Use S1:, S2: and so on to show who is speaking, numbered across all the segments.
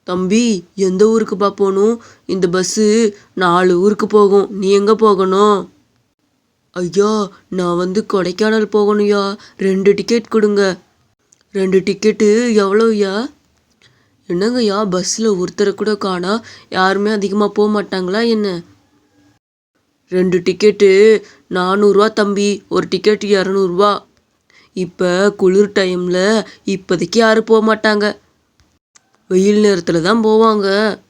S1: தம்பி, எந்த ஊருக்குப்பா போகணும்? இந்த பஸ்ஸு 4 ஊருக்கு போகும். நீ எங்கே போகணும்? ஐயா, நான் கொடைக்கானல் போகணும்யா. 2 டிக்கெட் கொடுங்க. 2 டிக்கெட்டு எவ்வளோய்யா? என்னங்கய்யா, பஸ்ஸில் ஒருத்தரை கூட காணா. யாருமே அதிகமாக போக மாட்டாங்களா என்ன? 2 டிக்கெட்டு 400 தம்பி. ஒரு டிக்கெட்டு 200. இப்போ குளிர் டைமில் இப்போதைக்கு யாரும் போக மாட்டாங்க. வெயில் நேரத்தில் தான் போவாங்க.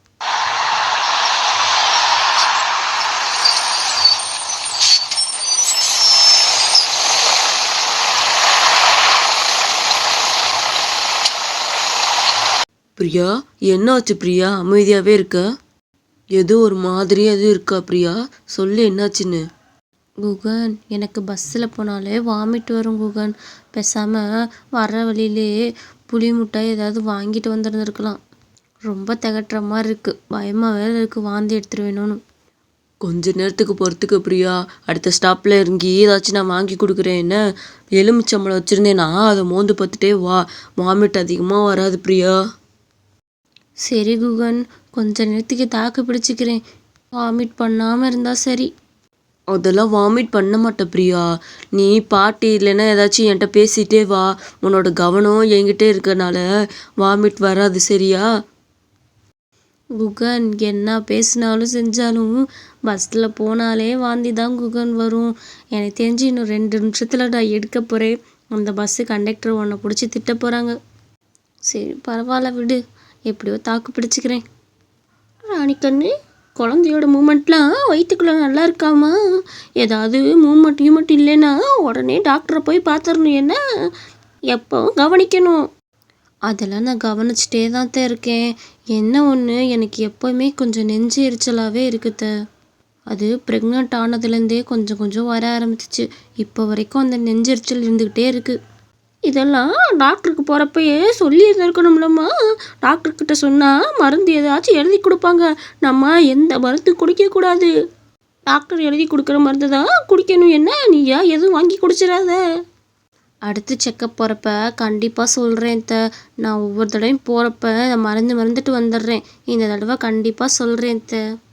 S1: பிரியா, என்னாச்சு பிரியா? அமைதியாகவே இருக்க. ஏதோ ஒரு மாதிரியாக எதுவும் இருக்கா பிரியா? சொல்லு, என்னாச்சுன்னு.
S2: குகன், எனக்கு பஸ்ஸில் போனாலே வாமிட் வரும் குகன். பேசாமல் வர்ற வழியிலே புளி முட்டாய் ஏதாவது வாங்கிட்டு வந்துருந்துருக்கலாம். ரொம்ப திகட்டுற மாதிரி இருக்குது. பயமாக வேறு இருக்குது, வாந்தி எடுத்துருவேணும்னு.
S1: கொஞ்ச நேரத்துக்கு பொறுத்துக்க பிரியா. அடுத்த ஸ்டாப்பில் இறங்கி ஏதாச்சும் நான் வாங்கி கொடுக்குறேன். என்ன, எலுமிச்சம்பழம் வச்சுருந்தேன்னா அதை மோந்து பார்த்துட்டே வா. வாமிட் அதிகமாக வராது பிரியா.
S2: சரி குகன், கொஞ்ச நேரத்துக்கு தாக்கு பிடிச்சிக்கிறேன். வாமிட் பண்ணாமல் இருந்தால் சரி.
S1: அதெல்லாம் வாமிட் பண்ண மாட்டேன் பிரியா. நீ பாட்டி இல்லைன்னா ஏதாச்சும் என்கிட்ட பேசிகிட்டே வா. உன்னோட கவனம் என்கிட்டே இருக்கறனால வாமிட் வராது, சரியா?
S2: குகன், என்ன பேசினாலும் செஞ்சாலும் பஸ்ஸில் போனாலே வாந்தி தான் குகன் வரும். எனக்கு தெரிஞ்சு இன்னும் 2 நிமிஷத்தில் நான் எடுக்க போகிறேன். அந்த பஸ்ஸு கண்டக்டர் உன்னை பிடிச்சி திட்ட போகிறாங்க. சரி, பரவாயில்ல விடு. எப்படியோ தாக்கு பிடிச்சிக்கிறேன். ராணிக்கண்ணு, குழந்தையோட மூமெண்ட்லாம் வயிற்றுக்குள்ளே நல்லா இருக்காமா? ஏதாவது மூமெண்ட் இல்லைன்னா உடனே டாக்டரை போய் பார்த்துடணும். என்ன, எப்போவும் கவனிக்கணும். அதெல்லாம் நான் கவனிச்சிட்டே தான் இருக்கேன். என்ன ஒன்று, எனக்கு எப்போவுமே கொஞ்சம் நெஞ்சு எரிச்சலாகவே இருக்குது. அது ப்ரெக்னென்ட் ஆனதுலேருந்தே கொஞ்சம் கொஞ்சம் வர ஆரம்பிச்சிச்சு. இப்போ வரைக்கும் அந்த நெஞ்செரிச்சல் இருந்துக்கிட்டே இருக்குது. இதெல்லாம் டாக்டருக்கு போகிறப்பயே சொல்லி இருந்திருக்கணும்லம்மா. டாக்டர்கிட்ட சொன்னால் மருந்து ஏதாச்சும் எழுதி கொடுப்பாங்க. நம்ம எந்த மருந்து குடிக்கக்கூடாது. டாக்டர் எழுதி கொடுக்குற மருந்து தான் குடிக்கணும். என்ன, நீயா எதுவும் வாங்கி குடிச்சிடாத. அடுத்து செக்கப் போகிறப்ப கண்டிப்பாக சொல்கிறேன். நான் ஒவ்வொரு தடவையும் போகிறப்ப மறந்துட்டு வந்துடுறேன். இந்த தடவை கண்டிப்பாக சொல்கிறேன்.